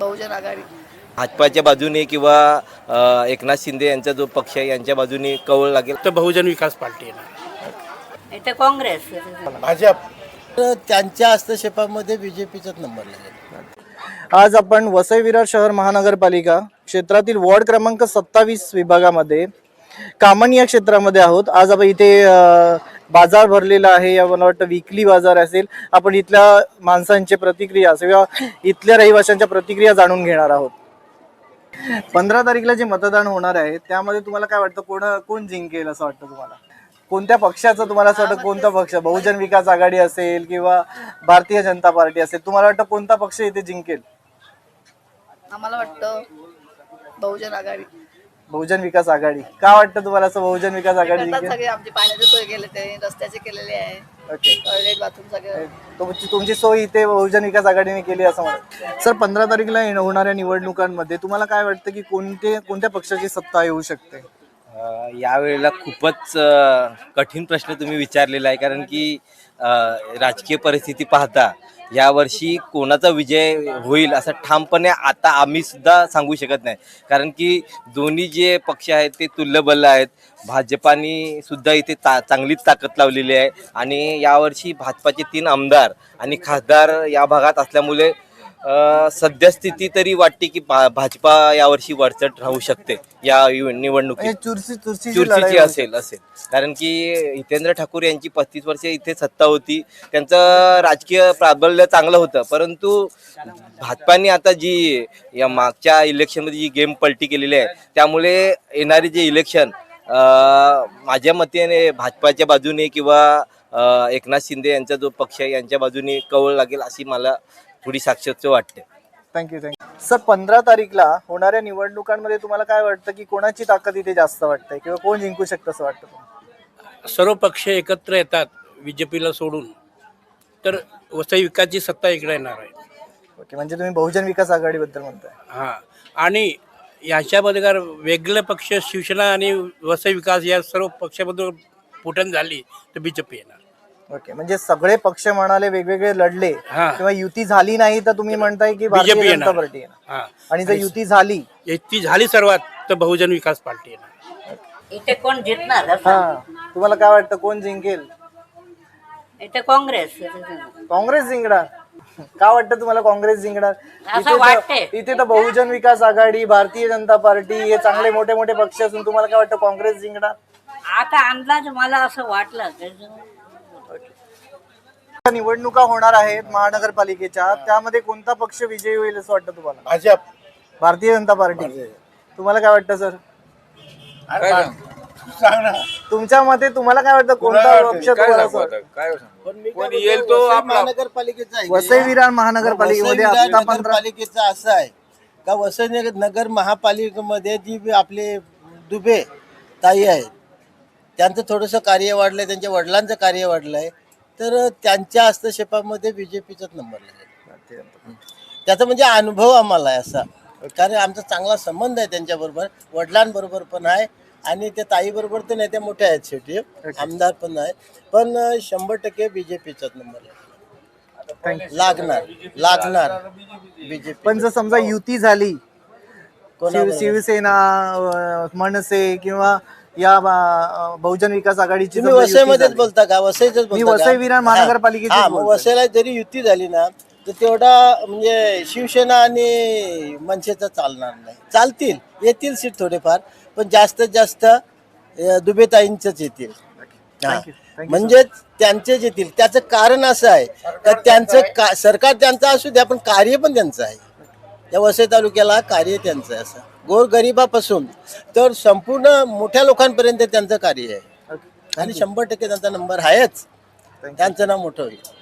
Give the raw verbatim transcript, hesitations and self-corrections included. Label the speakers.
Speaker 1: बहुजन आघाडी.
Speaker 2: भाजपाच्या बाजूने किंवा अ, एकनाथ शिंदे यांचा जो पक्ष आहे यांच्या बाजूने कौल लागेल
Speaker 3: तर बहुजन विकास पार्टी येणार.
Speaker 4: इथे काँग्रेस.
Speaker 5: भाजप. तर त्यांच्या हस्तक्षेपामध्ये बीजेपीचाच नंबर लागेल.
Speaker 6: आज आपण वसई विरार शहर महानगरपालिका क्षेत्रातील वॉर्ड क्रमांक सत्तावीस विभागामध्ये कामन या क्षेत्रामध्ये आहोत. आज आपण इथे अ, बाजार भरलेला आहे, या मला वाटतं विकली बाजार असेल. आपण इथल्या माणसांची प्रतिक्रिया किंवा इथल्या रहिवाशांच्या प्रतिक्रिया जाणून घेणार आहोत. पंधरा तारीखला जे मतदान होणार आहे त्यामध्ये तुम्हाला काय वाटतं, कोण कोण जिंकेल असं वाटतं तुम्हाला? कोणत्या पक्षाचं तुम्हाला असं वाटतं? कोणता पक्ष, बहुजन विकास आघाडी असेल किंवा भारतीय जनता पार्टी असेल, तुम्हाला वाटतं कोणता पक्ष इथे जिंकेल?
Speaker 1: आम्हाला वाटतं बहुजन आघाडी.
Speaker 6: बहुजन विकास आघाडी. का वाटतं तुम्हाला असं बहुजन विकास आघाडी
Speaker 1: करतात
Speaker 6: जिंकेल?
Speaker 1: सगळे, आमची पाण्याची सोय केली, ते रस्त्याचे केलेले आहे,
Speaker 6: ओके.
Speaker 1: टॉयलेट बाथरूम सगळे.
Speaker 6: तुमची तुमची सोय इथे बहुजन विकास आघाडीने केली असं म्हणत. सर, पंधरा तारीखला येण- होणाऱ्या निवडणुकांमध्ये तुम्हाला काय वाटतं की कोणते कोणत्या पक्षाची सत्ता येऊ शकते?
Speaker 2: अ, यावेळेला खूपच अ, कठीण प्रश्न तुम्ही विचारलेला आहे, कारण की अ, राजकीय परिस्थिती पाहता यावर्षी कोणाचा विजय होईल असं ठामपणे आता आम्ही सुद्धा सांगू शकत नाही, कारण की दोन्ही जे पक्ष आहेत ते तुल्यबल आहेत. भाजपाने सुद्धा इथे ता चांगलीच ताकद लावलेली आहे आणि यावर्षी भाजपाचे तीन आमदार आणि खासदार या भागात असल्यामुळे अ, सद्यस्थिती तरी वाटते की भा भाजपा यावर्षी वरचढ राहू शकते या यु- निवडणुकीत.
Speaker 6: चुरशी चुरशीची
Speaker 2: चुरशीची
Speaker 6: लढाई
Speaker 2: असेल असेल कारण की हितेंद्र ठाकूर यांची पस्तीस वर्षे इथे सत्ता होती, त्यांचं राजकीय प्राबल्य चांगलं होतं, परंतु भाजपाने आता जी या मागच्या इलेक्शनमध्ये जी गेम पलटी केलेली आहे त्यामुळे येणारे जे इलेक्शन माझ्या मतेने भाजपाच्या बाजूने किंवा अ, एकनाथ शिंदे यांचा जो पक्ष आहे यांच्या बाजूने कौल लागेल अशी मला थोडी साक्षात वाटते.
Speaker 6: थँक्यू थँक्यू सर, पंधरा तारीखला होणाऱ्या निवडणुकांमध्ये तुम्हाला काय वाटतं की कोणाची ताकद इथे जास्त वाटते किंवा कोण जिंकू शकतं असं वाटतं तुम्हाला?
Speaker 3: सर्व पक्ष एकत्र येतात बीजेपीला सोडून तर वसई विकासची सत्ता इकडे येणार आहे.
Speaker 6: ओके, म्हणजे तुम्ही बहुजन विकास आघाडीबद्दल म्हणताय.
Speaker 3: हां, आणि याच्यामध्ये जर वेगळे पक्ष शिवसेना आणि वसई विकास या सर्व पक्षामधून फुटण झाली तर बीजेपी येणार.
Speaker 6: ओके, म्हणजे सगळे पक्ष म्हणाले वेगवेगळे लढले
Speaker 3: हा.
Speaker 6: किंवा युती झाली नाही तर तुम्ही म्हणताय की भारतीय
Speaker 3: बीजेपी
Speaker 6: जनता
Speaker 3: येणार.
Speaker 6: पार्टी येणार.
Speaker 3: हां,
Speaker 6: आणि जर युती झाली
Speaker 3: ती झाली सर्वात तर बहुजन विकास पार्टी येणार.
Speaker 4: इथे कोण जिंकणार असं?
Speaker 6: हा, तुम्हाला काय वाटतं कोण जिंकेल?
Speaker 4: इथे काँग्रेस.
Speaker 6: काँग्रेस जिंकणार. का वाटतं तुम्हाला काँग्रेस जिंकणार?
Speaker 4: असं
Speaker 6: इथे तर-
Speaker 4: वाटते.
Speaker 6: इथे तर बहुजन विकास आघाडी, भारतीय जनता पार्टी हे चांगले मोठे मोठे पक्ष असून तुम्हाला काय वाटतं काँग्रेस जिंकणार?
Speaker 4: आता अंदाज मला असं वाटलं.
Speaker 6: निवडणुका होणार आहेत महानगरपालिकेच्या, त्यामध्ये कोणता पक्ष विजयी होईल असं वाटतं तुम्हाला?
Speaker 5: भाजप.
Speaker 6: भारतीय जनता पार्टी. तुम्हाला काय वाटतं सर?
Speaker 5: सांग ना.
Speaker 6: तुमच्या मते तुम्हाला काय वाटतं कोणता पक्ष तुम्हाला असं वाटतं?
Speaker 5: कोण येईल तो महानगरपालिकेचा आहे.
Speaker 6: वसई विरार महानगरपालिकेमध्ये
Speaker 5: वसई विरार
Speaker 6: आता पंधरा
Speaker 5: नगरपालिकेचं असं आहे का वसई नगर नगर महापालिकेमध्ये जी आपले दुबे ताई आहेत त्यांचं थोडंसं कार्य वाढलंय, त्यांच्या वडिलांचं कार्य वाढलंय, तर त्यांच्या हस्तक्षेपामध्ये बीजेपीचाच नंबर लागेल. त्याचा म्हणजे अनुभव आम्हाला आहे असा, कारण आमचा चांगला संबंध आहे त्यांच्याबरोबर, वडिलांबरोबर पण आहे आणि त्या ताईबरोबर तर नाही, त्या मोठ्या आहेत शेवटी, आमदार पण आहेत, पण शंभर टक्के बीजेपीचाच नंबर लागेल. लागणार लागणार बीजेपी.
Speaker 6: पण जर समजा युती झाली,
Speaker 5: कोणाबरोबर?
Speaker 6: शिव- शिवसेना, अं, मनसे किंवा या अं, बहुजन विकास आघाडीची
Speaker 5: तुम्ही
Speaker 6: समजा युती
Speaker 5: वसईमध्येच
Speaker 6: झाली.
Speaker 5: बोलता का? वसईच
Speaker 6: मी
Speaker 5: बोलता
Speaker 6: वसई विरार
Speaker 5: का?
Speaker 6: महानगरपालिकेचीच
Speaker 5: हा, मग
Speaker 6: बोलतोय.
Speaker 5: वसईला जरी युती झाली ना तर तेवढा म्हणजे शिवसेना आणि मनसेचं चालणार नाही. चालतील, येतील सीट थोडेफार, पण जास्तीत जास्त अं, दुबेताईंचंच येतील. हा.
Speaker 6: Thank you. Thank you,
Speaker 5: म्हणजे त्यांचेच येतील. त्याचं कारण असं आहे का त्यांचं का सरकार त्यांचं असू द्या पण कार्य पण त्यांचं आहे. या वसई तालुक्याला कार्य त्यांचं आहे, असं गोरगरिबापासून तर संपूर्ण मोठ्या लोकांपर्यंत त्यांचं कार्य आहे आणि शंभर टक्के त्यांचा नंबर आहेच. त्यांचं नाव मोठं होईल.